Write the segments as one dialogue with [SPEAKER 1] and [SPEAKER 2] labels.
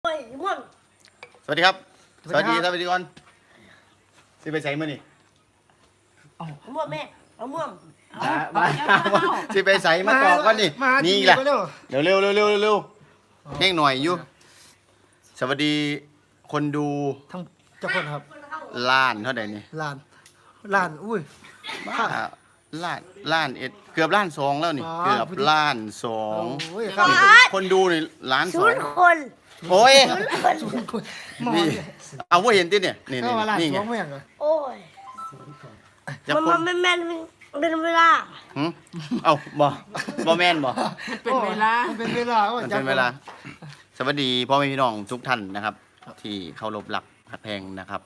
[SPEAKER 1] ม่วง
[SPEAKER 2] สวัสดีครับสวัสดีก่อนสิไปใส่มื้อนี่
[SPEAKER 1] ม่วงแม่ม่วง
[SPEAKER 2] มาสิไปใส่มาตอบก่อนนี่นี่แหละเร็วแห้งหน่อยอยู่สวัสดีคนดู
[SPEAKER 3] ทั้งเจ้าคนครับ
[SPEAKER 2] ล้านเท่าไหร่นี่
[SPEAKER 3] ล้านอุ้ย
[SPEAKER 2] ล้านเอ็ดเกือบล้านสองแล้วนี่เกือบล้านสอง
[SPEAKER 3] โอ้ยครับ
[SPEAKER 2] คนดูนี่ล้านสอง
[SPEAKER 1] คน
[SPEAKER 2] โอ้ย
[SPEAKER 3] หมอ
[SPEAKER 2] นี่
[SPEAKER 3] เนี่ย
[SPEAKER 2] เอาว่าเห็นติเนี่ยนี่
[SPEAKER 3] ก็ว่าล้าน
[SPEAKER 2] นี่
[SPEAKER 3] ส
[SPEAKER 2] ไง
[SPEAKER 3] องแม่งเหรอ
[SPEAKER 1] โอ้ย
[SPEAKER 2] จะ
[SPEAKER 1] มัน
[SPEAKER 2] คน
[SPEAKER 1] ไม่แม่นเป็นเวลา
[SPEAKER 2] เอาบ่แม่นบ่
[SPEAKER 3] เป็นเวลามันเป็นเวลา
[SPEAKER 2] มันเป็นเวลาสวัสดีพ่อแม่พี่น้องทุกท่านนะครับ ที่เคารพรักหักแพงนะครับ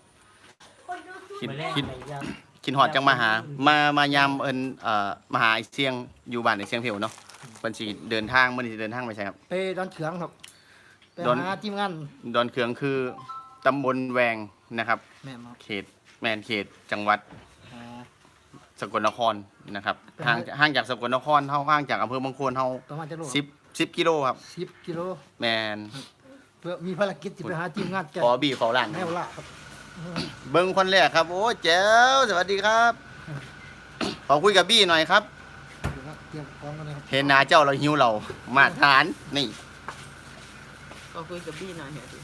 [SPEAKER 2] คิดหอดจังมายามมาหาไอ้เสียงอยู่บ้านไอ้เสียงเพียวเนาะเพิ่นสิเดินทางมื้อนี้สิเดินทางไปใช่ครับ
[SPEAKER 3] ไปดอนเขืองครับไป
[SPEAKER 2] ดอน
[SPEAKER 3] หาทีมงาน
[SPEAKER 2] ดอนเขืองคือตำบลแวงนะครับ
[SPEAKER 3] แม่มา
[SPEAKER 2] เขตจังหวัดสกลนครนะครับห่างจากสกลนครเฮาห่างจากอำเภอบางโคนเฮา
[SPEAKER 3] ประมาณจะโล
[SPEAKER 2] 10กิโลครับ
[SPEAKER 3] 10 กิโล
[SPEAKER 2] แมน
[SPEAKER 3] เพื่อมีภารกิจที่ไปหาทีมงานแก
[SPEAKER 2] ขอบีขอหลาน
[SPEAKER 3] แม่วละครับ
[SPEAKER 2] เบิ้งคนแรกครับโอ้แจ๋วสวัสดีครับขอคุยกับบี้หน่อยครับ
[SPEAKER 3] เดี๋ยวนะเตรียมพร้อมกันเลยครับ
[SPEAKER 2] เห็นหนาเจ้าเราหิวเรามาทานนี่
[SPEAKER 4] ก็คุยกับบี้หน่อยเถอะดิ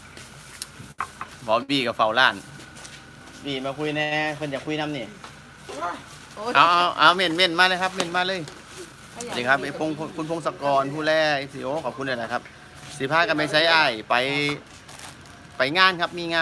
[SPEAKER 2] บอกบี้กับเฝ้าร้านบี้มาคุยแน่เพิ่นอยากคุยน้ำนี่
[SPEAKER 4] โอ้ย
[SPEAKER 2] เอาเม่นมาเลยครับเม่นมาเลยสวัสดีครับไอ้คุณพงศกรผู้แรกสิโอขอบคุณเลยนะครับสิพากันไปไซอ้ายไปงานครับมีงาน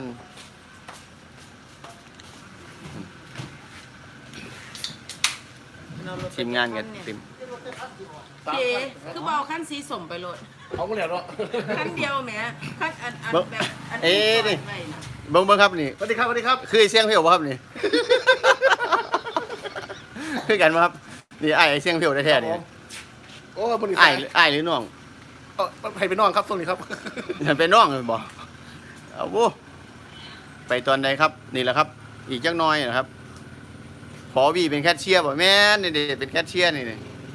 [SPEAKER 2] ทีมงานกันทีม
[SPEAKER 4] พี่เอ๋คือบอกขั้นสีสมไปโหลด
[SPEAKER 5] เขาก็เหลียวเนาะ
[SPEAKER 4] ขั้นเดียวแหมขั้นอันแบบอัน
[SPEAKER 2] เอ๊ะนี่
[SPEAKER 4] ไว้นะ
[SPEAKER 2] เบิ้งครับนี่
[SPEAKER 5] สวัสดีครับสวัสดีครับ
[SPEAKER 2] คือไอ้เสียงเพียวบ่ครับนี่ คือกันบ่ครับนี่ไอ้เสียงเพียวแท้ๆนี่
[SPEAKER 5] โอ้บริษั
[SPEAKER 2] ไอ้
[SPEAKER 5] ท
[SPEAKER 2] หรือน้อง
[SPEAKER 5] ให้ไปนอนครับตรงนี้ครับ
[SPEAKER 2] ฉันเป็นน้องเลยบ่เอาวูไปตอนใดครับ นี่แหละครับ อีกจักหน้อยนะครับพอวีเป็นแคชเชียร์บ่แม่นนี่เป็นแคชเชียร์นี่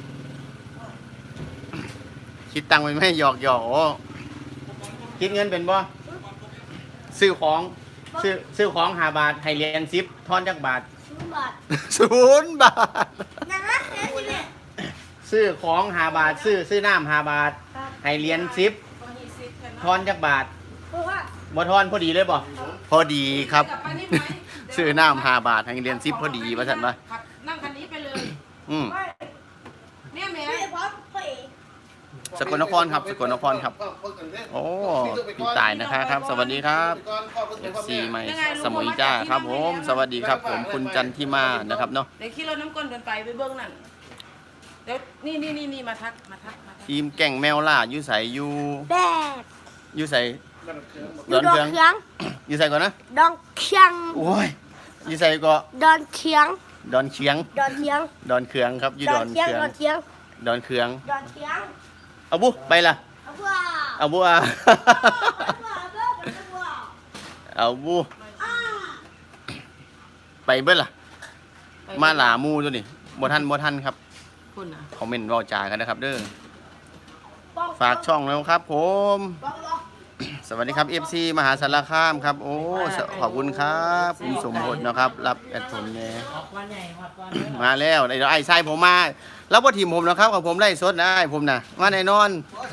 [SPEAKER 2] คิดตังค์ไปไม่หยอกโอ้คิดเงินเป็นบ่ซื้อของ5 บาทให้เหรียญ10ทอนจักบาท
[SPEAKER 1] 0 บาท
[SPEAKER 2] 0 บาท
[SPEAKER 1] นะนะเนี่ย
[SPEAKER 2] ซื้อของ5 บาทซื้อน้ำ5 บาทให้เหรียญ10ทอนจักบาท
[SPEAKER 1] เพราะว่า
[SPEAKER 2] บ่ทอนพอดีเลยบ่พอดีครับ
[SPEAKER 4] กลับไปนี่ไหม
[SPEAKER 2] ซื้อน้ำ5 บาทให้เหรียญ10พอดีว่าซั่นว่า
[SPEAKER 4] ขับนั่งคันนี้ไปเลย
[SPEAKER 1] ไม่
[SPEAKER 4] เนี่ยแหม
[SPEAKER 1] ไม่พร้อมพ่อเอก
[SPEAKER 2] สกลนครครับสกลนครครับโอ้พี่ตายนะครับสวัสดีครับ FC ใหม่สมุยจ้าครับผมสวัสดีครับผมคุณจันทิมานะครับเนาะ
[SPEAKER 4] เดี๋ยวขี่รถน้ำก้นเดินไปเบื้องนั่นเดี๋ยวนี่มาทัก
[SPEAKER 2] ทีมแก่งแมวล่าอยู่ไสอยู่
[SPEAKER 1] แบก
[SPEAKER 2] อยู่ไส
[SPEAKER 1] ดอนเคียง
[SPEAKER 2] อยู่ไสก่อนนะ
[SPEAKER 1] ดอนเคียง
[SPEAKER 2] โอ้ยอยู่ไสก็
[SPEAKER 1] ดอนเคียง
[SPEAKER 2] ดอนเคียง
[SPEAKER 1] ดอนเคียง
[SPEAKER 2] ดอนเคืองครับอยู่
[SPEAKER 1] ด
[SPEAKER 2] ด
[SPEAKER 1] อ
[SPEAKER 2] อน น
[SPEAKER 1] เคียง
[SPEAKER 2] เคือง
[SPEAKER 1] ดอนเคียง
[SPEAKER 2] ดอนเคือง
[SPEAKER 1] ดอนเคียง
[SPEAKER 2] เอาบุไปล่ะ
[SPEAKER 1] เอาว่า
[SPEAKER 2] เอาบุอ่ะ เอาบุ ไปเบิ้ลล่ะ มาหลามูตัวนี่บ่ทันครับ
[SPEAKER 4] คุณนะ
[SPEAKER 2] คอมเมนต์เว้าจากันนะครับเด้อฝากช่องแล้วครับ ผม สวัสดีครับ FC มหาสารคามครับ โอ้ขอบคุณครับคุณสมพลนะครับ รับแอดผมแน่มาแล้วเดี๋ยวไอ้ชายผมมาแล้วบ่ทีมผมนะครับของผมไล่สดนะไอ้ผมน่ะมาแน่นอน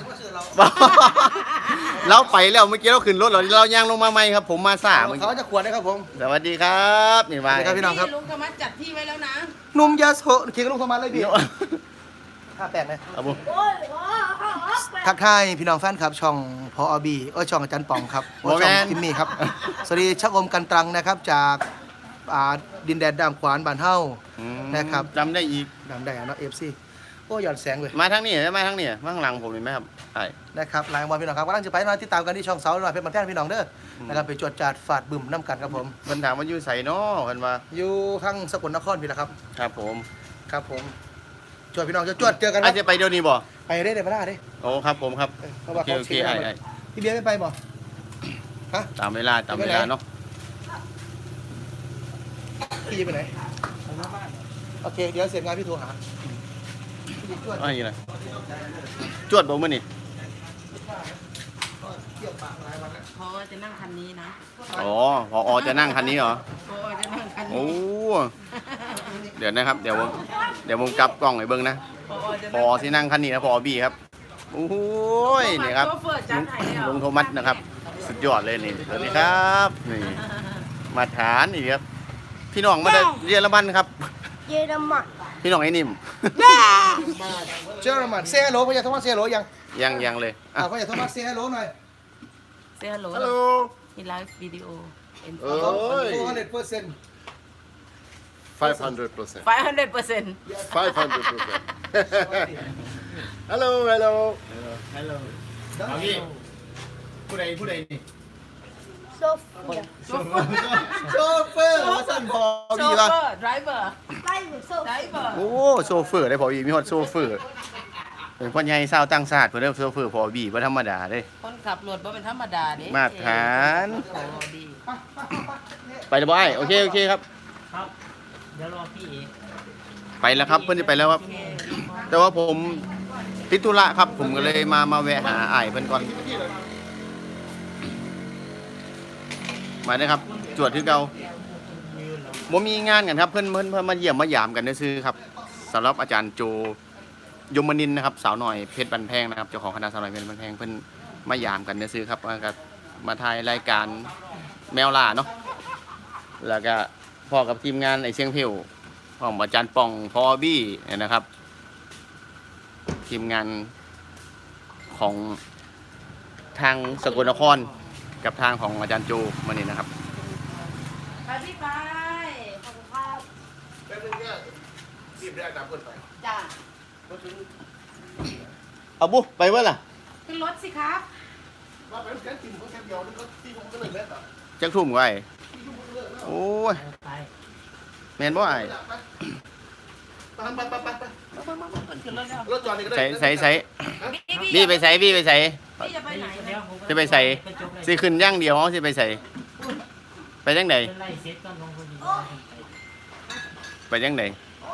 [SPEAKER 2] เราไปแล้วเมื่อกี้เราขึ้นรถเราย่างลงมาใหม่ครับ ผมมาซ่าเมื่อ
[SPEAKER 5] เขา
[SPEAKER 2] กี้
[SPEAKER 5] จะขวดนะครับผม
[SPEAKER 2] สวัสดีครับนี่มา
[SPEAKER 5] สวัสดีครับพี่น้องครับ
[SPEAKER 4] ลุงธรรมะจัดที่ไว้แล้วนะ
[SPEAKER 5] หนุ่มยาโสเคียงกับลุงสมานเลยพี่58นะ
[SPEAKER 2] เอาบุ
[SPEAKER 1] โอ้ยว้าว
[SPEAKER 5] ทักทายพี่น้องแฟนครับช่องพอบีช่องอาจารย์ป่องครับช่องทิมมี่ครับสวัสดีชักอมกันตรังนะครับจากดินแดนดามขวานบ้านเฮา นะครับ
[SPEAKER 2] จำได้อีก
[SPEAKER 5] ดำแดงเนาะ FC โอ้หย่อนแสงเลย
[SPEAKER 2] มาทางนี้มาทางนี้มาข้างหลังผมเห็นไหมครับใช่
[SPEAKER 5] นะครับหลายวันพี่น้องครับกำลังจะไปมาติดตามกันที่ช่องเสาหน่อยเพชรมันแท่นพี่น้องเด้อนะครับไปจวดจาดฝาดบึ้มน้ำกันครับผม
[SPEAKER 2] เพิ่นถามว่าอยู่ไสเนาะเพิ่นว่า
[SPEAKER 5] อยู่ข้างสกลนครพี่นะครับ
[SPEAKER 2] ครับผม
[SPEAKER 5] ครับผมจวดพี่น้องจะจวดเจอกันค
[SPEAKER 2] อา
[SPEAKER 5] รั
[SPEAKER 2] จ
[SPEAKER 5] บ
[SPEAKER 2] จะไปเดี๋ยวนี้บ่
[SPEAKER 5] ไปได้เดี๋ยวมาได้เด้
[SPEAKER 2] โอ้ครับผมครับ
[SPEAKER 5] เพราะ
[SPEAKER 2] โอ
[SPEAKER 5] ว่า
[SPEAKER 2] เค
[SPEAKER 5] เขา
[SPEAKER 2] โอเค
[SPEAKER 5] เช็ค
[SPEAKER 2] ไอ้
[SPEAKER 5] แล้ว
[SPEAKER 2] ไอ้
[SPEAKER 5] พี่เบียร์ไม่ไปบ่ฮะ
[SPEAKER 2] ตามเวลาเนาะ
[SPEAKER 5] พี่จะไปไหนโอเคเดี๋ยวเสร็จงานพี่โทรหาพี่จวด
[SPEAKER 2] อะไรนะจวดบ่มื้อนี่
[SPEAKER 5] พ
[SPEAKER 4] พอจะนั่งคันนี้นะ
[SPEAKER 2] อ๋อพอจะนั่งคันนี้เหรอ
[SPEAKER 4] พอจะนั่งคัน
[SPEAKER 2] โอ้
[SPEAKER 4] นี้
[SPEAKER 2] เดี๋ยวนะครับ เดี๋ยวผมกลับกล้องให้เบิ่งนะ พอที่นั่งคันนี้นะพอบี้ครับโอ้ยนี่ครับลุงโทมัสนะครับ สุดยอดเลยนี่สวัสดีครับนี่มาฐานนี่ครับ พี่น้องมาจากเยอรมันครับ
[SPEAKER 1] เยอรมัน
[SPEAKER 2] พี่น้องไอ้นิ่ม
[SPEAKER 5] เจอร์มันเซ่ฮัลโหลพ่อใหญ่โทมัสเซ่ฮัลโหลยัง
[SPEAKER 2] ยังเลยอ่ะ
[SPEAKER 5] พ่อใหญ่โทมัสเซ่ฮัลโหลหน่อย
[SPEAKER 4] เซฮัลโหล
[SPEAKER 2] ฮัลโหล
[SPEAKER 4] มีไลฟ์วิดีโอ
[SPEAKER 2] เอ้ย
[SPEAKER 5] 400%
[SPEAKER 6] 500%.
[SPEAKER 4] 500%
[SPEAKER 6] 500%. Hello, hello.
[SPEAKER 2] เอางี้ผู้ใดนี่
[SPEAKER 1] โซเฟีย
[SPEAKER 2] โชเฟอร์ว่าสั่นพอ
[SPEAKER 4] โช
[SPEAKER 2] บี้
[SPEAKER 4] เฟ
[SPEAKER 2] ป่ะ
[SPEAKER 4] อร์ไดรเวอร์
[SPEAKER 1] ไล่หรือโซ
[SPEAKER 4] ไดร
[SPEAKER 1] เฟีย
[SPEAKER 4] เวอร์
[SPEAKER 2] โอ้โซเฟอร์ได้พอบี้มีฮอดโซเฟอร์เป็นพ่อใหญ่ชาวต่างชาติเพิ่นเรียกโซเฟอร์พอบี้บ่ธรรมดาเด้
[SPEAKER 4] คนขับรถบ่เป็นธรรมดาเด้
[SPEAKER 2] มาตรฐาน
[SPEAKER 4] โอ้ดี
[SPEAKER 2] ไปเลยบ่ไอ้โอเคครับ
[SPEAKER 7] เดี๋ยวรอพี่เอก
[SPEAKER 2] ไปแล้วครับเพิ่นจะไปแล้วครับ แต่ว่าผมติดธุระครับ ผมก็เลยมาแวะหาอ้ายเพิ่นก่อนมาเด้อครับ จวดคือเก่าบ่มีงานกันครับเพิ่นมาเยี่ยมมายามกันซื่อๆครับสำหรับอาจารย์โจยมนินทร์นะครับสาวหน่อยเพชรบันแพงนะครับเจ้าของคณะสาวหน่อยเพชรบันแพงเพิ่นมายามกันซื่อๆครับมาถ่ายรายการแมวล่าเนาะแล้วก็พ่อกับทีมงานไอ้เชียงเพวพ่ออาจารย์ป่องพอบี้นะครับ ทีมงานของทางสกลนครกับทางของอาจารย์โจมานี่นะครับ
[SPEAKER 4] ไปพี่ไป
[SPEAKER 1] ขอบคุณครับ
[SPEAKER 4] จ้า
[SPEAKER 2] เอาบุไปเว้ยล่ะ
[SPEAKER 4] ขึ้นรถสิครับ
[SPEAKER 2] จักทุ่มก็ไอ้โอ้ย
[SPEAKER 7] ไป
[SPEAKER 2] แม่นบ่ไอ้
[SPEAKER 4] ขึ้นรถแล้ว
[SPEAKER 5] รถจอดนี่ก็ได้
[SPEAKER 2] ใส่พี่ไปใส่
[SPEAKER 4] พี่จะไปไหน
[SPEAKER 7] เดี๋ยวผม
[SPEAKER 2] จะไปใส่
[SPEAKER 7] ไปจบเลย
[SPEAKER 2] สิขึ้นอย่างเดียวสิไปใส่ไปจังได
[SPEAKER 7] เป็นไล่เซ็ตก่อนลงพอดี
[SPEAKER 2] ไปจังได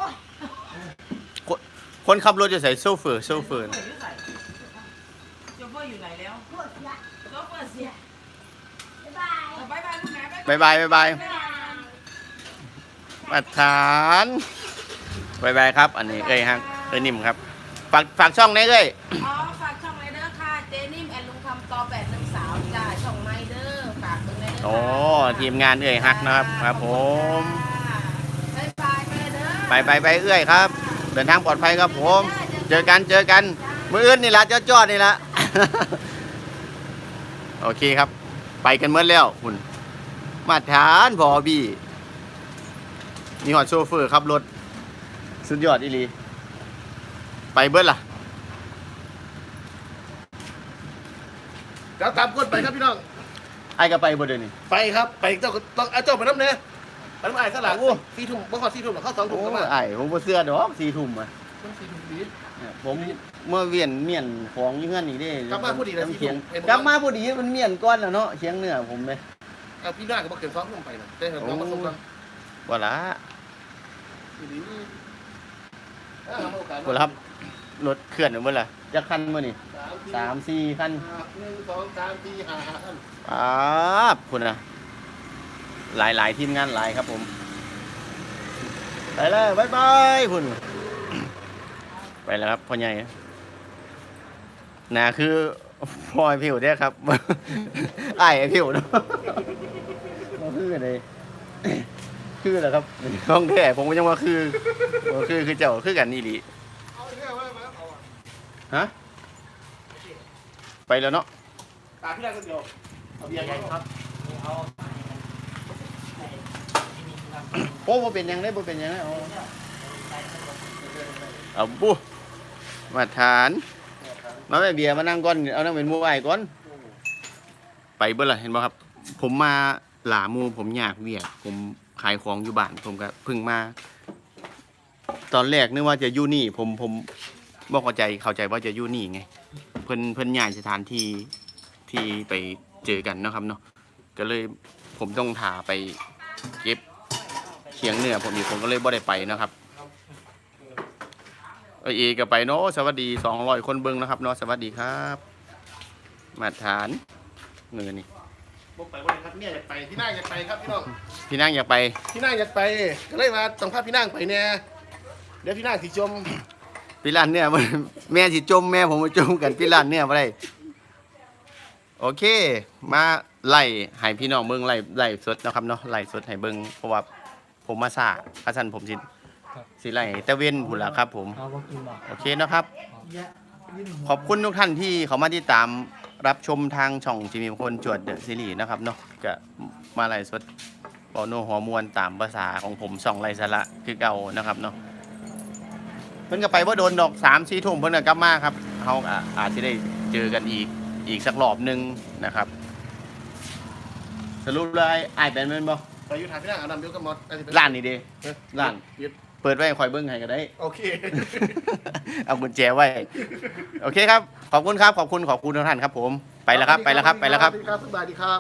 [SPEAKER 2] คนขับรถจะใส่โซเฟอร์
[SPEAKER 4] โชเฟอร์อยู่ไหนแล้ว
[SPEAKER 1] ปวดละ
[SPEAKER 4] โชเฟอร์เสีย
[SPEAKER 1] บ๊ายบาย
[SPEAKER 4] บายบายคุณแม่
[SPEAKER 2] บายมาฐานบายครับ อันนี้ฮะนิ่มครับฝากช่องไหนเอ้ย
[SPEAKER 4] อ๋อฝากช่องไรเดอร์ค่ะเจนิ่มแอนลุงคำตอ8 1 3จ้าช่องไรเดอร์ฝากตรงไรเดอร์
[SPEAKER 2] โอ้ทีมงานฮักนะครับครับผม
[SPEAKER 4] บายบายเด้อ
[SPEAKER 2] ไปเอื้อยครับ เดินทางปลอดภัยครับผม เจอกันมื้ออื่นนี่ละจอดนี่ละ โอเคครับ ไปกันเมื่อแล้วคุณมาทานพอบี้มีหอดโชเฟอร์ขับรถสุดยอดอีหลีไปเบิ้ลล่ะ
[SPEAKER 6] เดี๋ยวตามคนไปครับพี่น้อง
[SPEAKER 2] ไอ้ก็ไปบ่เดี๋ยวนี้
[SPEAKER 6] ไปครับ ไปเจ้าต้องเอาเจ้าไปน้ำเนี่ยไปน้ำไอ้สลัง4 ทุ่มบ่พอ4 ทุ่มหรอกเข้า2 ทุ่ม
[SPEAKER 2] โอ้
[SPEAKER 6] ก็มา
[SPEAKER 2] ไอ้ผมบ่เชื่อดอก4 ทุ่มอ่ะ
[SPEAKER 6] ต้อง4 ทุ่มดี
[SPEAKER 2] เนี่ยผมเมื่อเวียนเมียนของอยู่เฮือนนี่เด้
[SPEAKER 6] กลับมาพอดีเลย
[SPEAKER 2] น้ำเคียง
[SPEAKER 6] 4 ทุ่ม
[SPEAKER 2] กลับมาพอดีมันเมียนก้อนแล้วเนาะเคียงเนื้อผมเลย
[SPEAKER 6] เอาพี่น้าก็บ่เกิน2 ทุ่มไปนะได้เห็นน้องมาส่งกัน
[SPEAKER 2] บ่ละ
[SPEAKER 6] ดีเอาโอกาส
[SPEAKER 2] บ่ละครับรถเคลื่อนอยู่บ่ล่ะจักคันมื้อนี่3-4คัน
[SPEAKER 6] 1 2 3 4 5
[SPEAKER 2] ป๊าบคุณนะหลายทีมงานหลายครับผมไปเลยบายคุณไปแล้วครับพ่อใหญ่น่าคือพ่อไอ้ผิวเนี่ยครับ ไอ้ผิวเนาะมาคืออะไรคือเหรอครับห้องแท้ผมก็ยังว่าคือเจ้าคือกันนี่หลีฮะไปแล้วเนาะ
[SPEAKER 6] ตาพี่น้าคนเดียวเอาเบียร์ใหญ่ครับ
[SPEAKER 2] โอ้บ่เป็นหยังได้บ่เป็นหยังได้เอาบุมาทานมาแม่เบียร์มานั่งก่อนเอานั่งเป็นหมู่ไอ้ก่อนไปเบิ่ล่ะเห็นบ่ครับ ผมมาหลาหมู่ผมอยากเวียกผมขายของอยู่บ้านผมก็เพิ่งมา ตอนแรกนึกว่าจะอยู่นี่ผมบ่เข้าใจว่าจะอยู่นี่ไงเพิ่นย้ายสถานที่ไปเจอกันเนาะครับเนาะก็เลยผมต้องถ่าไปเก็บเขียงเนื้อผมก็เลยบ่ได้ไปนะครับเอก็ไปเนาะสวัสดี200 คนเบิ่งนะครับเนาะสวัสดีครับมาทานเงินนี่
[SPEAKER 6] ผมไปวันครับเนี่ยอยากไปพี่นางอยากไปครับพี่น้อง
[SPEAKER 2] พี่นั่งอยากไป
[SPEAKER 6] พี่นางอยากไปก็เลยมาต้องพาพี่นางไปเนี่ยเดี๋ยวพี่นางสิจม
[SPEAKER 2] พี่ร้านเนี่ย แม่สิจมแม่ผมมาจมกันพี่ร้านเนี่ยบ่ได้โอเค มาไล่ให้พี่น้องเบิ่งไล่สดนะครับเนาะไล่สดให้เบิ่งเพราะว่าผมมาซ่าพระสันผมสิไล่ให้ตะเวนพุ่นล่ะครับ ผม
[SPEAKER 7] เอาบ่กินบ่
[SPEAKER 2] โอเคนะครับ
[SPEAKER 3] แยะยื่นหัว
[SPEAKER 2] ขอบคุณทุกท่านที่เขามาติดตามรับชมทางช่องจิมีคนจวดเดอะซีรีส์นะครับเนาะก็มาไล่สดเบาโนหัวมวนตามภาษาของผมช่องไล่สาระคือเก่านะครับเนาะเพิ่นก็ไปว่าโดนดอก3-4 ทุ่มเพิ่นก็กลับมาครับเขาอาจจะได้เจอกันอีกสักรอบหนึงนะครับ สรุปเลยอ้ายเป็นแม่นบ่
[SPEAKER 6] ไปอยู่ทางพี่นางเอานำเดี๋ยวก็หมด
[SPEAKER 2] ร้านนี้เด้ร้านเปิดไว้ให้คอยเบิ่งให้ก็ได้
[SPEAKER 6] โอเค
[SPEAKER 2] เอากุญแจไว้ โอเคครับ ขอบคุณครับ ขอบคุณทุกท่านครับผม ไปแล้วครับ
[SPEAKER 6] สวัสดีครับสวัสดีครับ